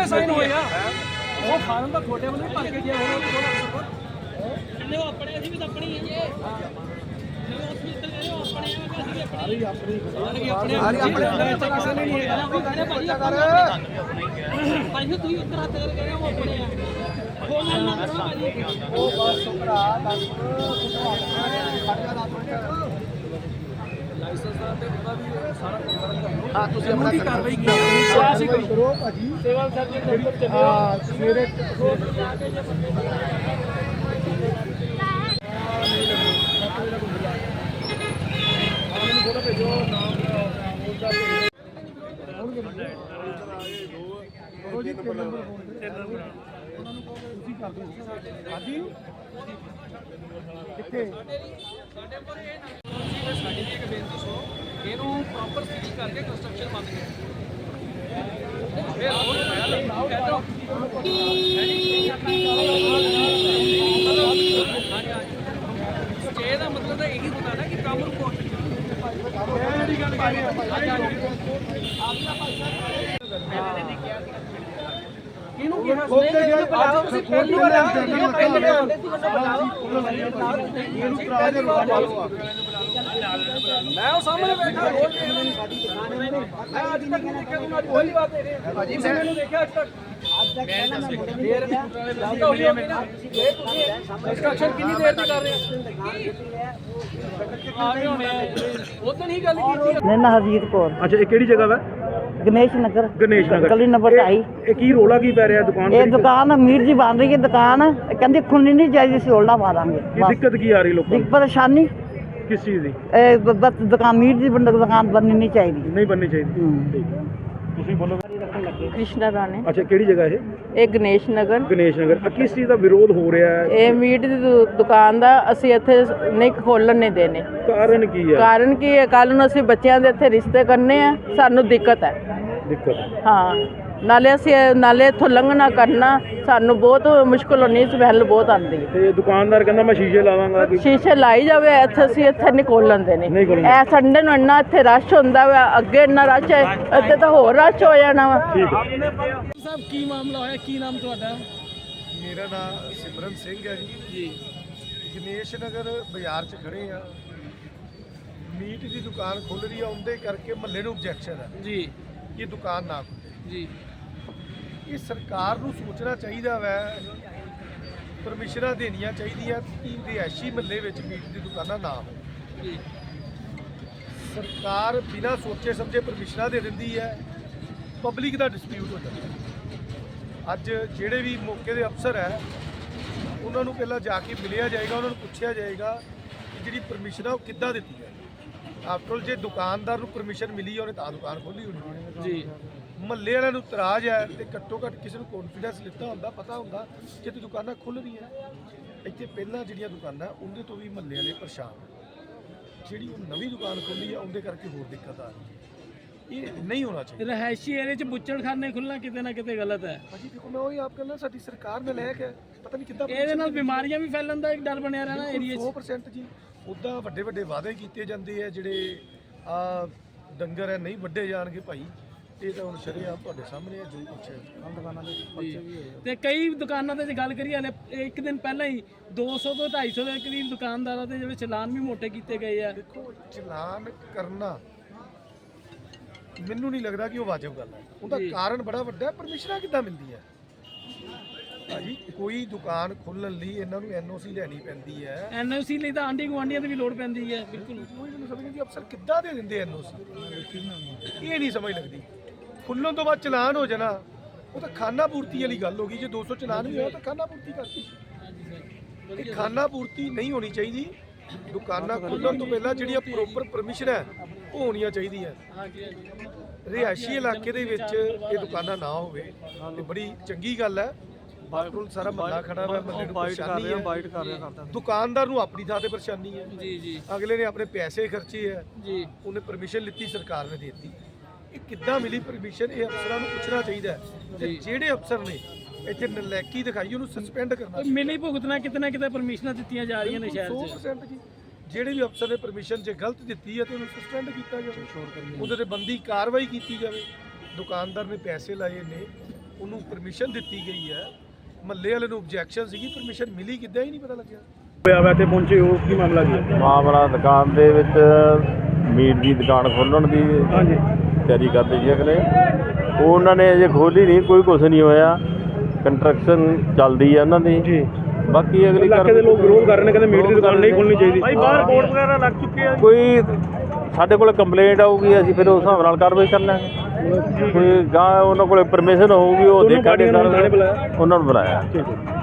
Sign ਹੋਏ ਆ ਉਹ ਫਾਰਮ ਦਾ ਤੁਹਾਡੇ ਵੱਲੋਂ ਭਰ ਕੇ ਗਿਆ ਹੁਣ ਉਹ ਆਪਣੇ ਅਸੀਂ ਵੀ ਤਾਂ ਆਪਣੀ ਹੈ ਹਾਂ ਤੁਸੀਂ ਆਪਣੀ ਕਾਰਵਾਈ ਕਰੋ ਭਾਜੀ ਸਿਵਲ ਸਰਜਨ ਦਫ਼ਤਰ ਚੱਲਿਓ ਸਵੇਰੇ ਕਿੱਥੇ ਸਾਡੀ ਇੱਕ ਬੇਨਤੀ ਸੁਣੋ ਇਹਨੂੰ ਪ੍ਰੋਪਰ ਸੀਲ ਕਰਕੇ ਕੰਸਟਰਕਸ਼ਨ ਬੰਦ ਕਰੋ ਫਿਰ ਹੋਰ ਸਟੇ ਦਾ ਮਤਲਬ ਤਾਂ ਇਹੀ ਹੁੰਦਾ ਨਾ ਕਿ ਕੰਮ ਰੁਕੋ ਕਿਹਨੂੰ ਕਿਹਾ ਤੁਸੀਂ ਪਹਿਲੀ ਵਾਰ ਮੈਂ ਉਹ ਸਾਹਮਣੇ ਬੈਠਾ ਮੈਂ ਅੱਜ ਤੱਕ ਨਹੀਂ ਦੇਖਿਆ ਤੁਹਾਨੂੰ ਅੱਜ ਪਹਿਲੀ ਵਾਰ ਦੇਖ ਰਿਹਾ ਭਾਜੀ ਮੈਂ ਮੈਨੂੰ ਦੇਖਿਆ ਅੱਜ ਤੱਕ ਕੰਸਟਰਕਸ਼ਨ ਕਿੰਨੀ ਦੇਰ ਦੀ ਕਰ ਰਹੇ ਆ ਰਹੇ ਹੋਣੇ ਉਦੋਂ ਹੀ ਗੱਲ ਕੀਤੀ ਨੈਨਾ ਹਰਜੀਤ ਕੌਰ। ਅੱਛਾ ਇਹ ਕਿਹੜੀ ਜਗ੍ਹਾ ਵਾ? ਗਣੇਸ਼ ਨਗਰ ਗਲੀ ਨੰਬਰ 2। ਇਹ ਕੀ ਰੋਲਾ ਕੀ ਪੈ ਰਿਹਾ ਦੁਕਾਨ ਇਹ ਦੁਕਾਨ ਅਮੀਰ ਜੀ ਬਣ ਰਹੀ ਹੈ ਦੁਕਾਨ ਕਹਿੰਦੀ ਖੁੱਲਣੀ ਨਹੀਂ ਚਾਹੀਦੀ ਅਸੀਂ ਹੋਲਡਾ ਪਾ ਦਾਂਗੇ ਕੀ ਦਿੱਕਤ ਕੀ ਆ ਰਹੀ ਲੋਕਾਂ ਨੂੰ? ਪਰੇਸ਼ਾਨੀ ਕਿਸ ਚੀਜ਼ ਦੀ? ਬਸ ਦੁਕਾਨ ਅਮੀਰ ਜੀ ਦੁਕਾਨ ਬਣਨੀ ਨਹੀਂ ਚਾਹੀਦੀ। ਨਹੀਂ ਬਣਨੀ ਚਾਹੀਦੀ। ਠੀਕ ਤੁਸੀਂ ਬੋਲੋ। ਕ੍ਰਿਸ਼ਨਾ ਰਾਣੇ। ਅੱਛਾ ਕਿਹੜੀ ਜਗ੍ਹਾ ਇਹ ਗਣੇਸ਼ ਨਗਰ ਕਿਸ ਚੀਜ਼ ਦਾ ਵਿਰੋਧ ਹੋ ਰਿਹਾ ਹੈ? ਇਹ ਮੀਟ ਦੀ ਦੁਕਾਨ ਦਾ ਅਸੀਂ ਇੱਥੇ ਨਹੀਂ ਖੋਲਣ ਨਹੀਂ ਦੇਣੇ। ਕਾਰਨ ਕੀ ਹੈ? ਕਾਰਨ ਕੀ ਹੈ ਕੱਲ ਨੂੰ ਅਸੀਂ ਬੱਚਿਆਂ ਦੇ ਇੱਥੇ ਰਿਸ਼ਤੇ ਕਰਨੇ ਆ ਸਾਨੂੰ ਦਿੱਕਤ ਹੈ। ਹਾਂ ਨਾਲੇ ਇੱਥੋਂ ਲੰਘਣਾ ਕਰਨਾ ਸਾਨੂੰ ਬਹੁਤ ਮੁਸ਼ਕਿਲ ਹੋਣੀ ਸਮੈਲ ਬਹੁਤ ਆਉਂਦੀ ਹੈ। ਤੇ ਦੁਕਾਨਦਾਰ ਕਹਿੰਦਾ ਮੈਂ ਸ਼ੀਸ਼ੇ ਲਾਵਾਂਗਾ। ਸ਼ੀਸ਼ੇ ਲਾਈ ਜਾਵੇ ਇੱਥੇ ਨਹੀਂ ਖੋਲਣ ਦੇਣੇ। ਇਹ ਸੰਡੇ ਨੂੰ ਇੰਨਾ ਇੱਥੇ ਰਸ਼ ਹੁੰਦਾ ਵਾ ਅੱਗੇ ਇੰਨਾ ਰਸ਼ ਹੈ ਇੱਥੇ ਤਾਂ ਹੋਰ ਰਸ਼ ਹੋ ਜਾਣਾ ਵਾ। ਸਾਹਿਬ ਕੀ ਮਾਮਲਾ ਹੋਇਆ ਕੀ ਨਾਮ ਤੁਹਾਡਾ? ਮੇਰਾ ਨਾਮ ਸਿਮਰਨ ਸਿੰਘ ਹੈ ਜੀ। ਗਣੇਸ਼ ਨਗਰ ਬਾਜ਼ਾਰ 'ਚ ਖੜੇ ਆ। ਮੀਟ ਦੀ ਦੁਕਾਨ ਖੁੱਲ ਰਹੀ ਆ ਉਹਦੇ ਕਰਕੇ ਮਹੱਲੇ ਨੂੰ ਆਬਜੈਕਸ਼ਨ ਹੈ ਜੀ ਕਿ ਦੁਕਾਨ ਨਾ ਖੁੱਲੇ ਜੀ। ਇਹ ਸਰਕਾਰ ਨੂੰ ਸੋਚਣਾ ਚਾਹੀਦਾ ਵੈ ਪਰਮਿਸ਼ਨਾਂ ਦੇਣੀਆਂ ਚਾਹੀਦੀਆਂ ਕਿ ਰਿਹਾਇਸ਼ੀ ਮਹੱਲੇ ਵਿੱਚ ਮੀਟ ਦੀ ਦੁਕਾਨਾਂ ਨਾ ਹੋਣ। ਜੀ ਸਰਕਾਰ ਬਿਨਾਂ ਸੋਚੇ ਸਮਝੇ ਪਰਮਿਸ਼ਨਾਂ ਦੇ ਦਿੰਦੀ ਹੈ ਪਬਲਿਕ ਦਾ ਡਿਸਪਿਊਟ ਹੋ ਜਾਂਦਾ। ਅੱਜ ਜਿਹੜੇ ਵੀ ਮੌਕੇ ਦੇ ਅਫਸਰ ਹੈ ਉਹਨਾਂ ਨੂੰ ਪਹਿਲਾਂ ਜਾ ਕੇ ਮਿਲਿਆ ਜਾਏਗਾ ਉਹਨਾਂ ਨੂੰ ਪੁੱਛਿਆ ਜਾਏਗਾ ਕਿ ਜਿਹੜੀ ਪਰਮਿਸ਼ਨ ਆ ਉਹ ਕਿੱਦਾਂ ਦਿੱਤੀ ਹੈ। ਆਫਟਰ ਜੇ ਦੁਕਾਨਦਾਰ ਨੂੰ ਪਰਮਿਸ਼ਨ ਮਿਲੀ ਉਹਨੇ ਤਾਂ ਦੁਕਾਨ ਖੋਲ੍ਹੀ ਹੋਣੀ ਜੀ। ਮਹੱਲੇ ਵਾਲਿਆਂ ਨੂੰ ਇਤਰਾਜ਼ ਹੈ ਤੇ ਘੱਟੋ ਘੱਟ ਕਿਸੇ ਨੂੰ ਕੌਨਫੀਡੈਂਸ ਲਿੱਤਾ ਹੁੰਦਾ ਪਤਾ ਹੁੰਦਾ ਜੇ ਤੇ ਦੁਕਾਨਾਂ ਖੁੱਲ੍ਹ ਰਹੀਆਂ ਇੱਥੇ ਪਹਿਲਾਂ ਜਿਹੜੀਆਂ ਦੁਕਾਨਾਂ ਉਹਦੇ ਤੋਂ ਵੀ ਮਹੱਲੇ ਵਾਲੇ ਪਰੇਸ਼ਾਨ ਜਿਹੜੀ ਉਹ ਨਵੀਂ ਦੁਕਾਨ ਖੋਲ੍ਹੀ ਆ ਉਹਦੇ ਕਰਕੇ ਹੋਰ ਦਿੱਕਤ ਆ ਰਹੀ ਇਹ ਨਹੀਂ ਹੋਣਾ ਚਾਹੀਦਾ। ਰਹਿائشੀ ਏਰੀਆ 'ਚ ਬੁੱਚੜਖਾਨੇ ਖੁੱਲਣਾ ਕਿਤੇ ਨਾ ਕਿਤੇ ਗਲਤ ਹੈ। ਭਾਜੀ ਦੇਖੋ ਮੈਂ ਉਹੀ ਆਪ ਕਹਿੰਦਾ ਸਾਡੀ ਸਰਕਾਰ ਨੇ ਲੈ ਕੇ ਪਤਾ ਨਹੀਂ ਕਿੱਦਾਂ ਇਹਦੇ ਨਾਲ ਬਿਮਾਰੀਆਂ ਵੀ ਫੈਲਣ ਦਾ ਇੱਕ ਡਰ ਬਣਿਆ ਰਹਿਣਾ ਏਰੀਆ 'ਚ। 100% ਜੀ ਉੱਦਾਂ ਵੱਡੇ ਵੱਡੇ ਵਾਅਦੇ ਕੀਤੇ ਜਾਂਦੇ ਆ ਜਿਹੜੇ ਆ ਡੰਗਰ ਹੈ ਨਹੀਂ ਵੱਡੇ ਜਾਣਗੇ ਭਾਈ ਇਹ ਤਾਂ ਹੁਣ ਸ਼ਰੇਆਮ ਤੁਹਾਡੇ ਸਾਹਮਣੇ ਹੈ ਜੋ ਕੁਛ ਹੈ ਦੁਕਾਨਾਂ ਦੇ ਪਰਚੇ ਵੀ ਹੋਏ ਤੇ ਕਈ ਦੁਕਾਨਾਂ ਤੇ ਜੇ ਗੱਲ ਕਰੀਏ ਹਲੇ ਇੱਕ ਦਿਨ ਪਹਿਲਾਂ ਹੀ 200 ਤੋਂ 250 ਦੇ ਕਰੀਬ ਦੁਕਾਨਦਾਰਾਂ ਦੇ ਜਿਹੜੇ ਚਲਾਨ ਵੀ ਮੋਟੇ ਕੀਤੇ ਗਏ ਆ। ਦੇਖੋ ਚਲਾਨ ਕਰਨਾ ਮੈਨੂੰ ਨਹੀਂ ਲੱਗਦਾ ਕਿ ਉਹ ਵਾਜਬ ਗੱਲ ਹੈ। ਉਹਦਾ ਕਾਰਨ ਬੜਾ ਵੱਡਾ ਹੈ ਪਰਮਿਸ਼ਨਾਂ ਕਿੱਦਾਂ ਮਿਲਦੀ ਹੈ ਭਾਜੀ। ਕੋਈ ਦੁਕਾਨ ਖੋਲ੍ਹਣ ਲਈ ਇਹਨਾਂ ਨੂੰ ਐਨਓਸੀ ਲੈਣੀ ਪੈਂਦੀ ਹੈ। ਐਨਓਸੀ ਲਈ ਤਾਂ ਆਂਢੀ ਗੁਆਂਢੀਆਂ ਦੀ ਵੀ ਲੋੜ ਪੈਂਦੀ ਹੈ। ਬਿਲਕੁਲ ਕੋਈ ਮੈਨੂੰ ਸਮਝ ਨਹੀਂ ਅਫਸਰ ਕਿੱਦਾਂ ਦੇ ਦਿੰਦੇ ਐਨਓਸੀ ਇਹ ਨਹੀਂ ਸਮਝ ਲੱਗਦੀ। ਖੁੱਲ੍ਹਣ ਤੋਂ ਬਾਅਦ ਚਲਾਨ ਹੋ ਜਾਣਾ ਉਹ ਤਾਂ ਖਾਨਾ ਪੂਰਤੀ ਵਾਲੀ ਗੱਲ ਹੋ ਗਈ। ਜੇ 200 ਚਲਾਨ ਵੀ ਹੋਇਆ ਤਾਂ ਖਾਨਾ ਪੂਰਤੀ ਕਰਤੀ। ਇਹ ਖਾਨਾ ਪੂਰਤੀ ਨਹੀਂ ਹੋਣੀ ਚਾਹੀਦੀ। ਦੁਕਾਨਾਂ ਖੁੱਲ੍ਹਣ ਤੋਂ ਪਹਿਲਾਂ ਜਿਹੜੀਆਂ ਪ੍ਰੋਪਰ ਪਰਮਿਸ਼ਨ ਹੈ ਉਹ ਹੋਣੀਆਂ ਚਾਹੀਦੀਆਂ। ਰਿਹਾਇਸ਼ੀ ਇਲਾਕੇ ਦੇ ਵਿੱਚ ਇਹ ਦੁਕਾਨਾਂ ਨਾ ਹੋਵੇ ਤੇ ਬੜੀ ਚੰਗੀ ਗੱਲ ਹੈ। ਬਾਥਰੂਮ ਸਾਰਾ ਮਹੱਲਾ ਖੜਾ ਹੋਇਆ ਮਹੱਲੇ ਨੂੰ ਪਰੇਸ਼ਾਨੀ ਹੈ। ਦੁਕਾਨਦਾਰ ਨੂੰ ਆਪਣੀ ਥਾਂ ਤੇ ਪਰੇਸ਼ਾਨੀ ਹੈ। ਜੀ ਅਗਲੇ ਨੇ ਆਪਣੇ ਪੈਸੇ ਖਰਚੇ ਹੈ ਜੀ ਉਹਨੇ ਪਰਮਿਸ਼ਨ ਲਿੱਤੀ ਸਰਕਾਰ ਨੇ ਦੇ ਦਿੱਤੀ। ਇਹ ਕਿੱਦਾਂ ਮਿਲੀ ਪਰਮਿਸ਼ਨ ਇਹ ਅਫਸਰਾਂ ਨੂੰ ਪੁੱਛਣਾ ਚਾਹੀਦਾ ਹੈ ਤੇ ਜਿਹੜੇ ਅਫਸਰ ਨੇ ਇੱਥੇ ਨਲਾਇਕੀ ਦਿਖਾਈ ਉਹਨੂੰ ਸਸਪੈਂਡ ਕਰਨਾ। ਮਿਲੀ ਭੁਗਤਣਾ ਕਿਤੇ ਨਾ ਕਿਤੇ ਪਰਮਿਸ਼ਨਾਂ ਦਿੱਤੀਆਂ ਜਾ ਰਹੀਆਂ ਨੇ ਸ਼ਹਿਰ 'ਚ। 100% ਜੀ ਜਿਹੜੇ ਵੀ ਅਫਸਰ ਨੇ ਪਰਮਿਸ਼ਨ ਜੇ ਗਲਤ ਦਿੱਤੀ ਹੈ ਤੇ ਉਹਨੂੰ ਸਸਪੈਂਡ ਕੀਤਾ ਜਾਵੇ ਉਹਦੇ ਤੇ ਬੰਦੀ ਕਾਰਵਾਈ ਕੀਤੀ ਜਾਵੇ। ਦੁਕਾਨਦਾਰ ਨੇ ਪੈਸੇ ਲਾਏ ਨੇ ਉਹਨੂੰ ਪਰਮਿਸ਼ਨ ਦਿੱਤੀ ਗਈ ਹੈ, ਮਹੱਲੇ ਵਾਲੇ ਨੂੰ ਆਬਜੈਕਸ਼ਨ ਸੀਗੀ, ਪਰਮਿਸ਼ਨ ਮਿਲੀ ਕਿੱਦਾਂ ਹੀ ਨਹੀਂ ਪਤਾ ਲੱਗਿਆ। ਹੋਇਆ ਵਾ ਇੱਥੇ ਪਹੁੰਚੇ ਹੋ, ਕੀ ਮਾਮਲਾ ਕੀ ਹੈ? ਮਾਮਲਾ ਦੁਕਾਨ ਦੇ ਵਿੱਚ ਮੀਟ ਦੀ ਦੁਕਾਨ ਖੋਲ੍ਹਣ ਦੀ ਹਾਂਜੀ ਤਿਆਰੀ ਕਰਦੇ ਸੀ ਅਗਲੇ, ਉਹ ਉਹਨਾਂ ਨੇ ਅਜੇ ਖੋਲ੍ਹੀ ਨਹੀਂ, ਕੋਈ ਕੁਛ ਨਹੀਂ ਹੋਇਆ, ਕੰਸਟਰਕਸ਼ਨ ਚੱਲਦੀ ਹੈ ਉਹਨਾਂ ਦੀ ਜੀ। ਬਾਕੀ ਅਗਲੀ ਇਲਾਕੇ ਦੇ ਲੋਕ ਵਿਰੋਧ ਕਰ ਰਹੇ ਨੇ, ਕਹਿੰਦੇ ਮੀਟ ਦੀ ਦੁਕਾਨ ਨਹੀਂ ਖੋਲ੍ਹਣੀ ਚਾਹੀਦੀ। ਭਾਈ ਬਾਹਰ ਬੋਰਡ ਵਗੈਰਾ ਲੱਗ ਚੁੱਕੇ ਆ। ਕੋਈ ਸਾਡੇ ਕੋਲ ਕੰਪਲੇਂਟ ਆਊਗੀ, ਅਸੀਂ ਫਿਰ ਉਸ ਹਿਸਾਬ ਨਾਲ ਕਾਰਵਾਈ ਕਰ ਲਾਂਗੇ। ਕੋਈ ਗਾਂ ਉਹਨਾਂ ਕੋਲ ਪਰਮਿਸ਼ਨ ਹੋਊਗੀ, ਉਹ ਦੇਖਾਂਗੇ, ਉਹਨਾਂ ਨੂੰ ਬੁਲਾਇਆ। ਠੀਕ ਹੈ।